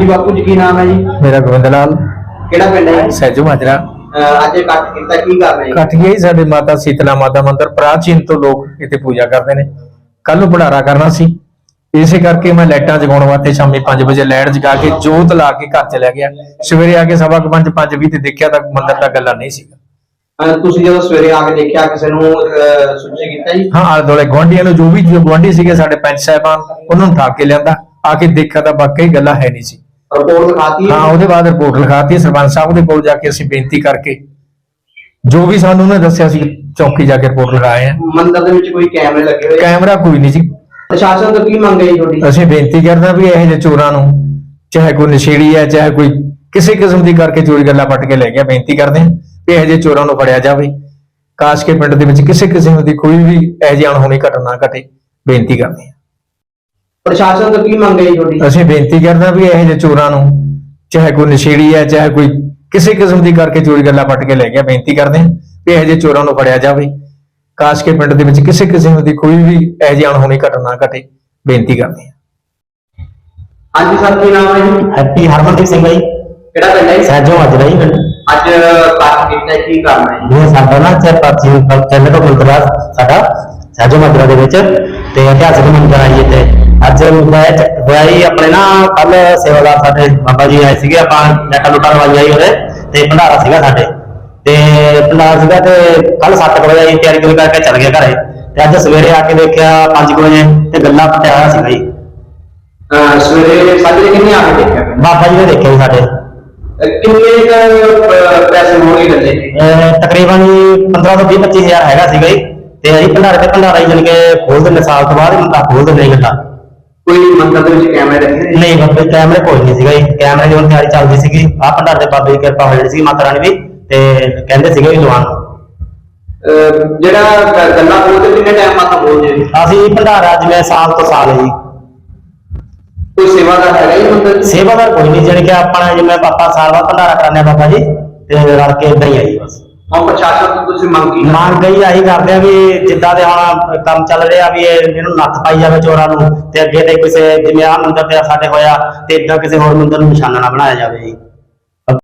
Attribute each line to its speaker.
Speaker 1: जी बापू जी की नाम है जी?
Speaker 2: मेरा गोविंद लाल
Speaker 1: केड़ा पिंड है जी?
Speaker 2: सैजू माजरा।
Speaker 1: ਅੱਜ ਇਕੱਠ ਕੀਤਾ ਕੀ ਕਰ ਰਹੇ
Speaker 2: इकट्ठ यही साडे माता शीतला माता मंदिर प्राचीन तो लोग इत्थे पूजा करते हैं। कल नूं भंडारा करना सी, इसे करके मैं लाइटां जगाउण वास्ते शामी 5 वजे लाइट जगा के जोत ला के घर चला गया। सवेरे आके 5:15 5:20 ते देखिया तां मंदिर दा गल्ला नहीं सी।
Speaker 1: ਤੁਸੀਂ ਜਦੋਂ ਸਵੇਰੇ ਆ ਕੇ ਦੇਖਿਆ ਕਿਸੇ ਨੂੰ ਸੂਚਿਤ ਕੀਤਾ ਜੀ?
Speaker 2: हाँ आले दुआले गुआंढियां नूं जो भी गुआंढी सीगे साडे पंच साहिबान उन्हां नूं ठा के लिआंदा, आके देखिया तां वाकई गल्ला है नहीं सी।
Speaker 1: ਰਿਪੋਰਟ ਲਿਖਾਤੀ
Speaker 2: हाँ ਉਹਦੇ ਬਾਅਦ ਰਿਪੋर्ट ਲਿਖਾਤੀ ਸਰਪੰਚ ਸਾਹਿਬ ਦੇ ਕੋਲ ਜਾ ਕੇ ਅਸੀਂ ਬੇਨਤੀ ਕਰਕੇ ਜੋ ਵੀ ਸਾਨੂੰ ਉਹਨੇ ਦੱਸਿਆ ਸੀ ਚੌਕੀ ਜਾ ਕੇ ਰਿਪੋर्ट ਲਿਖਾਏ ਆ।
Speaker 1: ਮੰਦਰ ਦੇ ਵਿੱਚ ਕੋਈ ਕੈਮਰੇ ਲੱਗੇ ਹੋਏ?
Speaker 2: ਕੈਮਰਾ ਕੋਈ ਨਹੀਂ ਸੀ।
Speaker 1: ਪ੍ਰਸ਼ਾਸਨ ਤੋਂ ਕੀ ਮੰਗ ਹੈ ਜੀ ਤੁਹਾਡੀ?
Speaker 2: ਅਸੀਂ ਬੇਨਤੀ ਕਰਦੇ ਹਾਂ ਵੀ ਇਹੋ ਜਿਹੇ ਚੋਰਾਂ ਨੂੰ ਚਾਹੇ ਕੋਈ ਨਸ਼ੇੜੀ ਹੈ ਚਾਹੇ ਕੋਈ ਕਿਸੇ ਕਿਸਮ ਦੀ ਕਰਕੇ ਚੋਰੀ ਗੱਲਾਂ ਪੱਟ ਕੇ ਲੈ ਗਿਆ, ਬੇਨਤੀ ਕਰਦੇ ਹਾਂ ਵੀ ਇਹੋ ਜਿਹੇ ਚੋਰਾਂ ਨੂੰ ਫੜਿਆ ਜਾਵੇ। ਕਾਸ਼ ਕੇ ਪਿੰਡ ਦੇ ਵਿੱਚ ਕਿਸੇ ਕਿਸਮ ਦੀ ਕੋਈ ਵੀ ਇਹੋ ਜਿਹੀ ਅਣਹੋਣੀ ਘਟਨਾ ਘਟੇ, ਬੇਨਤੀ ਕਰਦੇ ਹਾਂ।
Speaker 1: ਪ੍ਰਸ਼ਾਸਨ ਤੋਂ ਕੀ ਮੰਗ ਹੈ ਜੀ ਤੁਹਾਡੀ?
Speaker 2: ਅਸੀਂ ਬੇਨਤੀ ਕਰਦੇ ਹਾਂ ਵੀ ਇਹੋ ਜਿਹੇ ਚੋਰਾਂ ਨੂੰ ਚਾਹੇ ਕੋਈ ਨਸ਼ੇੜੀ ਹੈ ਚਾਹੇ ਕੋਈ ਕਿਸੇ ਕਿਸਮ ਦੀ ਕਰਕੇ ਚੋਰੀ ਗੱਲਾਂ ਪੱਟ ਕੇ ਲੈ ਗਿਆ, ਬੇਨਤੀ ਕਰਦੇ ਹਾਂ ਵੀ ਇਹੋ ਜਿਹੇ ਚੋਰਾਂ ਨੂੰ ਫੜਿਆ ਜਾਵੇ। ਕਾਸ਼ ਕੇ ਪਿੰਡ ਦੇ ਵਿੱਚ ਕਿਸੇ ਕਿਸਮ ਦੀ ਕੋਈ ਵੀ ਇਹੋ ਜਿਹੀ ਅਣਹੋਣੀ ਘਟਨਾ ਘਟੇ, ਬੇਨਤੀ ਕਰਦੇ ਹਾਂ।
Speaker 1: ਹਾਂਜੀ ਸਰ ਕੀ ਨਾਮ ਹੈ ਜੀ?
Speaker 3: हैप्पी हरमनदीप सिंह भाई
Speaker 1: ਕਿਹੜਾ ਪਿੰਡ ਹੈ ਜੀ?
Speaker 3: सैजो माजरा ही पिंड।
Speaker 1: ਅੱਜ ਇਕੱਠ ਕੀਤਾ ਕੀ ਕਰਨਾ ਹੈ ਜੀ?
Speaker 3: ये साडा ना प्राचीन चैनल तो मंदिर साडा सैजो माजरा दे विच ते इतिहासक मंदिर आई इत्थे। अज होया ही अपने ना कल सेवादार साडे बाबा जी आए सीगे, आपां लैटा लुटा लवाई आई ओदे ते भंडारा सीगा साडे ते भंडारा सीगा ते कल 7 बजे आई तैयारी करके चल गए घरे ते अज सवेरे आके देखिया 5 बजे ते गल्ला पटिया होया सीगा जी।
Speaker 1: ਸਵੇਰੇ ਸਾਜਰੇ ਕਿੰਨੇ ਆ ਕੇ ਦੇਖਿਆ?
Speaker 3: बाबा जी ने देखिया जी साडे
Speaker 1: ਕਿੰਨੇ ਪੈਸੇ ਹੋਣਗੇ ਗੱਲੇ?
Speaker 3: तकरीबन 15 ਤੋਂ 20-25 ਹਜ਼ਾਰ ਹੈਗਾ ਸੀਗਾ ਜੀ। ਤੇ ਅਸੀਂ ਭੰਡਾਰੇ ਤੇ ਭੰਡਾਰਾ ਹੀ ਜਾਣੀ ਕਿ ਖੋਲ ਦਿੰਦੇ, ਸਾਲ ਤੋਂ ਬਾਅਦ ਹੀ ਖੋਲ ਦਿੰਦੇ ਗੱਲਾਂ।
Speaker 1: ਕੋਈ ਮੰਦਰ ਦੇ ਵਿੱਚ ਕੈਮਰੇ ਰੱਖੇ ਨੇ?
Speaker 3: ਨਹੀਂ ਬਾਬੇ ਕੈਮਰੇ ਕੋਈ ਨਹੀਂ ਸੀਗਾ ਜੀ। ਕੈਮਰੇ ਦੀ ਹੁਣ ਤਿਆਰੀ ਚੱਲਦੀ ਸੀਗੀ। ਆਹ ਭੰਡਾਰੇ ਦੇ ਬਾਬੇ ਦੀ ਕਿਰਪਾ ਹੋ ਜਾਣੀ ਸੀ ਮਾਤਾ ਰਾਣੀ ਦੀ ਤੇ ਕਹਿੰਦੇ ਸੀਗੇ ਵੀ ਲਵਾਉਣ ਨੂੰ।
Speaker 1: ਜਿਹੜਾ ਗੱਲਾਂ ਬੋਲਦੇ ਕਿੰਨੇ ਟਾਈਮ ਮਾਤਾ ਬੋਲਦੇ ਨੇ?
Speaker 3: ਅਸੀਂ ਭੰਡਾਰਾ ਜਿਵੇਂ ਸਾਲ ਤੋਂ ਸਾਲ ਹੈ ਜੀ।
Speaker 1: ਕੋਈ ਸੇਵਾਦਾਰ ਹੈਗਾ ਜੀ ਮੰਦਰ ਚ?
Speaker 3: ਸੇਵਾਦਾਰ ਕੋਈ ਨਹੀਂ, ਜਾਣੀ ਕਿ ਆਪਣਾ ਜਿਵੇਂ ਆਪਾਂ ਸਾਲ ਬਾਅਦ ਭੰਡਾਰਾ ਕਰਾਉਂਦੇ ਆ ਬਾਬਾ ਜੀ ਤੇ ਰਲ ਕੇ ਏਦਾਂ ਹੀ ਆ ਜੀ ਬਸ।
Speaker 1: ਹੁਣ ਪ੍ਰਸ਼ਾਸਨ ਤੋਂ ਤੁਸੀਂ ਮੰਗ ਕੀ
Speaker 3: ਮੰਗ ਗਈ ਆਹੀ ਕਰਦੇ ਆ ਵੀ ਜਿੱਦਾਂ ਦੇ ਹੁਣ ਕੰਮ ਚੱਲ ਰਿਹਾ ਵੀ ਇਹਨੂੰ ਨੱਥ ਪਾਈ ਜਾਵੇ ਚੋਰਾਂ ਨੂੰ ਤੇ ਅੱਗੇ ਤੇ ਕਿਸੇ ਜਿਵੇਂ ਆਹ ਮੰਦਰ ਤੇ ਸਾਡੇ ਹੋਇਆ ਤੇ ਏਦਾਂ ਕਿਸੇ ਹੋਰ ਮੰਦਰ ਨੂੰ ਨਿਸ਼ਾਨਾ ਨਾ ਬਣਾਇਆ ਜਾਵੇ ਜੀ।